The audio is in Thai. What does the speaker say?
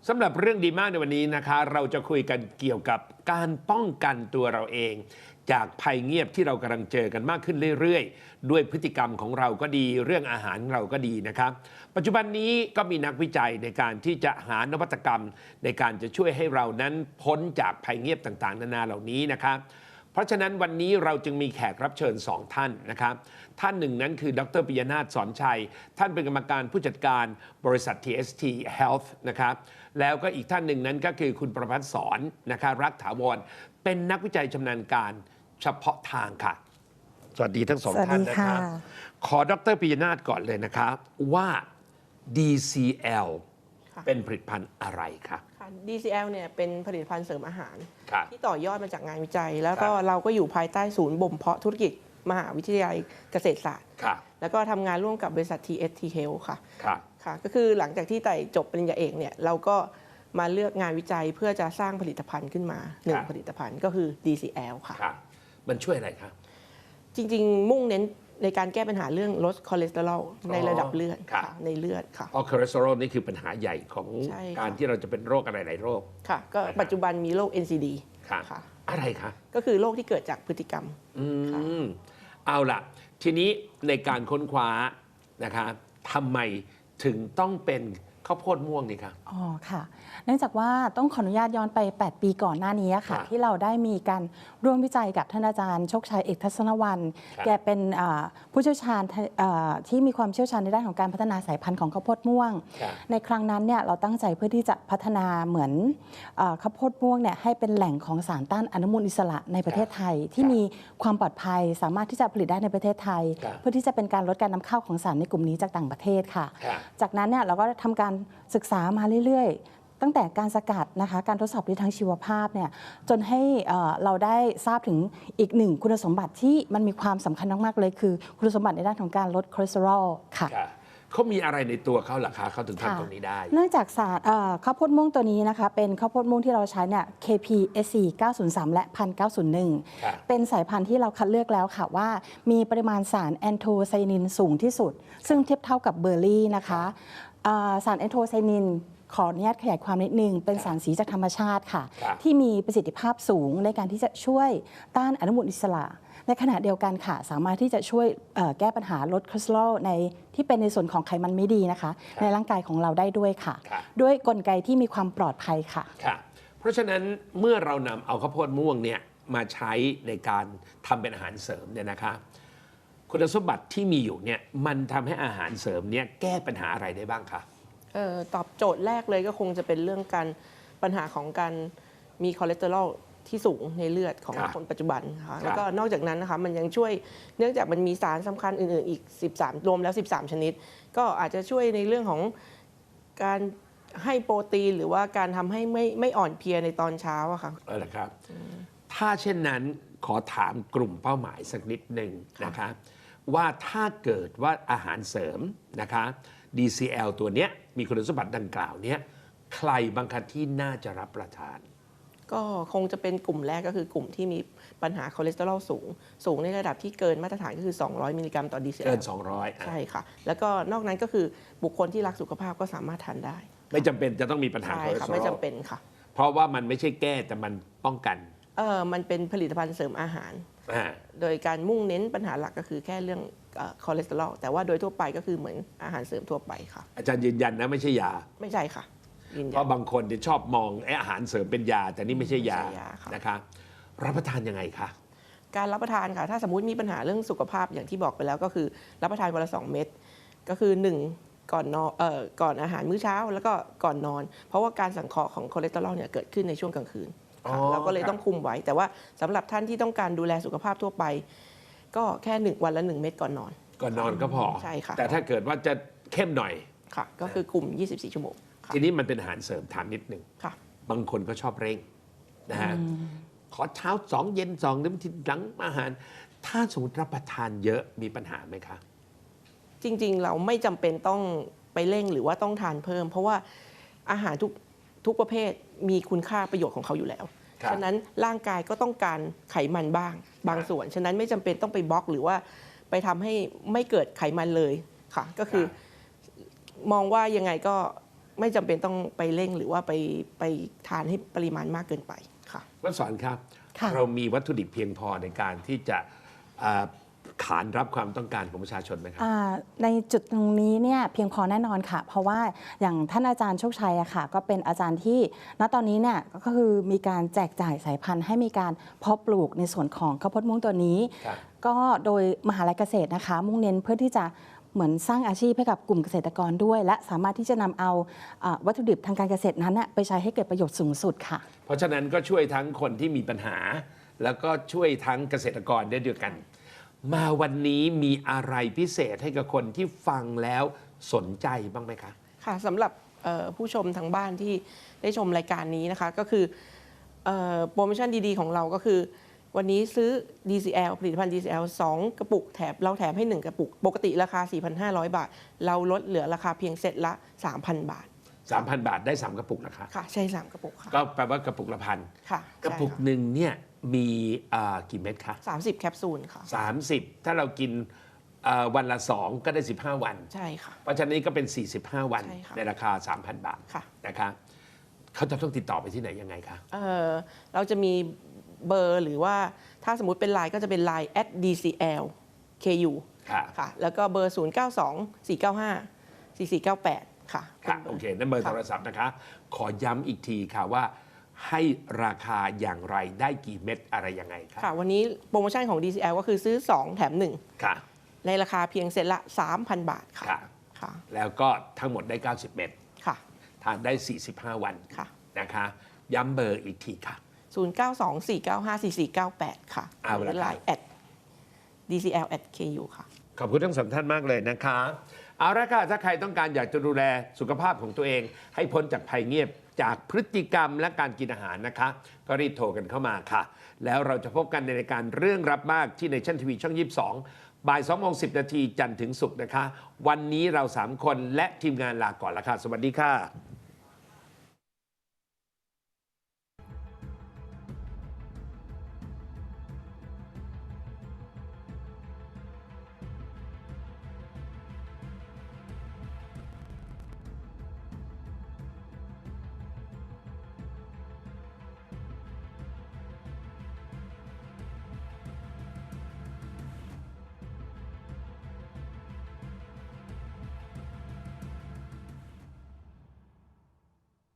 สำหรับเรื่องดีมากในวันนี้นะคะเราจะคุยกันเกี่ยวกับการป้องกันตัวเราเอง จากภัยเงียบที่เรากำลังเจอกันมากขึ้นเรื่อยๆด้วยพฤติกรรมของเราก็ดีเรื่องอาหารเราก็ดีนะครับปัจจุบันนี้ก็มีนักวิจัยในการที่จะหานวัตกรรมในการจะช่วยให้เรานั้นพ้นจากภัยเงียบต่างๆนานาเหล่านี้นะครับเพราะฉะนั้นวันนี้เราจึงมีแขกรับเชิญ2ท่านนะครับท่านหนึ่งนั้นคือดร.ปิยนาถ สอนชัยท่านเป็นกรรมการผู้จัดการบริษัท TST Health นะครับแล้วก็อีกท่านหนึ่งนั้นก็คือคุณประภัสสรนะครับรักถาวรเป็นนักวิจัยชำนาญการเฉพาะทางค่ะสวัสดีทั้งสองท่านนะครับขอดร.ปิยนาถก่อนเลยนะครับว่า DCL เป็นผลิตภัณฑ์อะไรคะ DCL เนี่ยเป็นผลิตภัณฑ์เสริมอาหารที่ต่อยอดมาจากงานวิจัยแล้วก็เราก็อยู่ภายใต้ศูนย์บ่มเพาะธุรกิจมหาวิทยาลัยเกษตรศาสตร์แล้วก็ทำงานร่วมกับบริษัท TST Health ค่ะก็คือหลังจากที่ไต่จบปริญญาเอกเนี่ยเราก็มาเลือกงานวิจัยเพื่อจะสร้างผลิตภัณฑ์ขึ้นมาหนึ่งผลิตภัณฑ์ก็คือ DCL ค่ะมันช่วยอะไรครับจริงๆมุ่งเน้นในการแก้ปัญหาเรื่องลดคอเลสเตอรอลในระดับเลือดในเลือดค่ะเพราะคอเลสเตอรอลนี่คือปัญหาใหญ่ของการที่เราจะเป็นโรคอะไรหลายโรคค่ะก็ปัจจุบันมีโรค NCD ค่ะอะไรคะก็คือโรคที่เกิดจากพฤติกรรมเอาล่ะทีนี้ในการค้นคว้านะคะทำไมถึงต้องเป็นข้าวโพดม่วงนี่คะอ๋อค่ะเนื่องจากว่าต้องขออนุญาตย้อนไป8ปีก่อนหน้านี้ค่ะที่เราได้มีการร่วมวิจัยกับท่านอาจารย์โชคชัยเอกทัศนวรรณแกเป็นผู้เชี่ยวชาญที่มีความเชี่ยวชาญในด้านของการพัฒนาสายพันธุ์ของข้าวโพดม่วงในครั้งนั้นเนี่ยเราตั้งใจเพื่อที่จะพัฒนาเหมือนข้าวโพดม่วงเนี่ยให้เป็นแหล่งของสารต้านอนุมูลอิสระในประเทศไทยที่มีความปลอดภัยสามารถที่จะผลิตได้ในประเทศไทยเพื่อที่จะเป็นการลดการนำเข้าของสารในกลุ่มนี้จากต่างประเทศค่ะจากนั้นเนี่ยเราก็ทำการศึกษามาเรื่อยๆตั้งแต่การสกัดนะคะการทดสอบในทางชีวภาพเนี่ยจนให้เราได้ทราบถึงอีกหนึ่งคุณสมบัติที่มันมีความสำคัญมากๆเลยคือคุณสมบัติในด้านของการลดคอเลสเตอรอลค่ะเขามีอะไรในตัวเขาล่ะคะเขาถึงทำตรงนี้ได้เนื่องจากสารข้าวโพดม่วงตัวนี้นะคะเป็นข้าวโพดม่วงที่เราใช้เนี่ย KPSC 903 และ 1901 เป็นสายพันธุ์ที่เราคัดเลือกแล้วค่ะว่ามีปริมาณสารแอนโทไซนินสูงที่สุดซึ่งเทียบเท่ากับเบอร์รี่นะคะสารแอนโทไซนินขออนุญาตขยายความนิดนึงเป็นสารสีจากธรรมชาติค่ะที่มีประสิทธิภาพสูงในการที่จะช่วยต้านอนุมูลอิสระในขณะเดียวกันค่ะสามารถที่จะช่วยแก้ปัญหาลดคอเลสเตอรอลในที่เป็นในส่วนของไขมันไม่ดีนะคะในร่างกายของเราได้ด้วยค่ะด้วยกลไกที่มีความปลอดภัยค่ะเพราะฉะนั้นเมื่อเรานำเอาข้าวโพดม่วงเนี่ยมาใช้ในการทำเป็นอาหารเสริมเนี่ยนะคะคุณสมบัติที่มีอยู่เนี่ยมันทำให้อาหารเสริมเนี่ยแก้ปัญหาอะไรได้บ้างคะตอบโจทย์แรกเลยก็คงจะเป็นเรื่องการปัญหาของการมีคอเลสเตอรอลที่สูงในเลือดของคนปัจจุบันค่ะแล้วก็นอกจากนั้นนะคะมันยังช่วยเนื่องจากมันมีสารสำคัญอื่นๆอีก13รวมแล้ว13ชนิดก็อาจจะช่วยในเรื่องของการให้โปรตีนหรือว่าการทำให้ไม่อ่อนเพลียในตอนเช้าอะค่ะครับถ้าเช่นนั้นขอถามกลุ่มเป้าหมายสักนิดหนึ่งนะคะว่าถ้าเกิดว่าอาหารเสริมนะคะ DCL ตัวเนี้ยมีคุณสมบัติดังกล่าวเนี้ยใครบางคันที่น่าจะรับประทานก็คงจะเป็นกลุ่มแรกก็คือกลุ่มที่มีปัญหาคอเลสเตอรอลสูงในระดับที่เกินมาตรฐานก็คือ200มิลลิกรัมต่อ DCL เกิน200 ใช่ค่ะแล้วก็นอกนั้นก็คือบุคคลที่รักสุขภาพก็สามารถทานได้ไม่จำเป็นจะต้องมีปัญหาคอเลสเตอรอลไม่จำเป็นค่ะเพราะว่ามันไม่ใช่แก้แต่มันป้องกันมันเป็นผลิตภัณฑ์เสริมอาหารโดยการมุ่งเน้นปัญหาหลักก็คือแค่เรื่องคอเลสเตอรอลแต่ว่าโดยทั่วไปก็คือเหมือนอาหารเสริมทั่วไปค่ะอาจารย์ยืนยันนะไม่ใช่ยาไม่ใช่ค่ะเพราะบางคนจะชอบมองอาหารเสริมเป็นยาแต่นี่ไม่ใช่ยานะคะรับประทานยังไงคะการรับประทานค่ะถ้าสมมุติมีปัญหาเรื่องสุขภาพอย่างที่บอกไปแล้วก็คือรับประทานวันละ2เม็ดก็คือ1ก่อนนอนก่อนอาหารมื้อเช้าแล้วก็ก่อนนอนเพราะว่าการสังเคราะห์ของคอเลสเตอรอลเนี่ยเกิดขึ้นในช่วงกลางคืนเราก็เลยต้องคุมไว้แต่ว่าสำหรับท่านที่ต้องการดูแลสุขภาพทั่วไปก็แค่วันละ1เม็ดก่อนนอนก็พอใช่ค่ะแต่ถ้าเกิดว่าจะเข้มหน่อยค่ะก็คือคุม24ชั่วโมงทีนี้มันเป็นอาหารเสริมถามนิดนึงบางคนก็ชอบเร่งนะฮะขอเช้า2เย็น2น้ำทีหลังอาหารถ้าสมมติรับประทานเยอะมีปัญหาไหมคะจริงๆเราไม่จำเป็นต้องไปเร่งหรือว่าต้องทานเพิ่มเพราะว่าอาหารทุกประเภทมีคุณค่าประโยชน์ของเขาอยู่แล้วฉะนั้นร่างกายก็ต้องการไขมันบ้างบางส่วนฉะนั้นไม่จำเป็นต้องไปบล็อกหรือว่าไปทำให้ไม่เกิดไขมันเลยค่ะก็คือมองว่ายังไงก็ไม่จำเป็นต้องไปเร่งหรือว่าไปทานให้ปริมาณมากเกินไปค่ะวัสอนครับค่ะเรามีวัตถุดิบเพียงพอในการที่จะอ่าขานรับความต้องการของประชาชนไหมครับในจุดตรงนี้เนี่ยเพียงพอแน่นอนค่ะ เพราะว่าอย่างท่านอาจารย์โชคชัยอะค่ะก็เป็นอาจารย์ที่ณตอนนี้เนี่ยก็คือมีการแจกจ่ายสายพันธุ์ให้มีการเพาะปลูกในส่วนของข้าวโพดม่วงตัวนี้ครับก็โดยมหาลัยเกษตรนะคะมุ่งเน้นเพื่อที่จะเหมือนสร้างอาชีพให้กับกลุ่มเกษตรกรด้วย และสามารถที่จะนำเอาวัตถุดิบทางการเกษตรนั้นน่ะไปใช้ให้เกิดประโยชน์สูงสุดค่ะเพราะฉะนั้นก็ช่วยทั้งคนที่มีปัญหา แล้วก็ช่วยทั้งเกษตรกรได้ด้วยกัน มาวันนี้มีอะไรพิเศษให้กับคนที่ฟังแล้วสนใจบ้างไหมคะค่ะสำหรับผู้ชมทางบ้านที่ได้ชมรายการนี้นะคะก็คือโปรโมชั่นดีๆของเราก็คือ วันนี้ซื้อ DCL ผลิตภัณฑ์ DCL 2 กระปุกเราแถมให้ 1 กระปุก ปกติราคา 4,500 บาท เราลดเหลือราคาเพียงเซตละ 3,000 บาท 3,000 บาทได้ 3 กระปุกนะคะค่ะใช่ 3 กระปุกค่ะก็แปลว่ากระปุกละพันค่ะกระปุกหนึ่งเนี่ยมีกี่เม็ดคะ 30 แคปซูลค่ะ 30 ถ้าเรากินวันละ 2 ก็ได้ 15 วันใช่ค่ะเพราะฉะนั้นก็เป็น 45 วันใช่ค่ะในราคา 3,000 บาทค่ะนะคะเขาจะต้องติดต่อไปที่ไหนยังไงคะเราจะมีเบอร์หรือว่าถ้าสมมุติเป็นไลน์ก็จะเป็นไลน์ @DCLKU ค่ะค่ะ แล้วก็เบอร์ 0924954498 ค่ะค่ะโอเคนั่นเบอร์โทรศัพท์นะคะ ขอย้ำอีกทีค่ะว่าให้ราคาอย่างไรได้กี่เม็ดอะไรยังไงคะค่ะ วันนี้โปรโมชั่นของ DCL ก็คือซื้อ 2 แถมค่ะ 1 ในราคาเพียงเซตละ 3,000 บาทค่ะค่ะค่ะแล้วก็ทั้งหมดได้ 90 เม็ดค่ะทานได้ 45 วันค่ะนะคะ ย้ำเบอร์อีกทีค่ะ 0924954498 ค่ะเอาละครับไลน์ @DCL@KU ค่ะขอบคุณทั้งสองท่านมากเลยนะคะ เอาละค่ะถ้าใครต้องการอยากจะดูแลสุขภาพของตัวเอง ให้พ้นจากภัยเงียบจากพฤติกรรมและการกินอาหารนะคะ ก็รีบโทรกันเข้ามาค่ะ แล้วเราจะพบกันในรายการเรื่องรับมากที่ในชั่นทีวีช่อง 22 บ่าย 2:10 นาทีจันทร์ถึงศุกร์นะคะ วันนี้เรา 3 คนและทีมงานลาก่อนละค่ะ สวัสดีค่ะ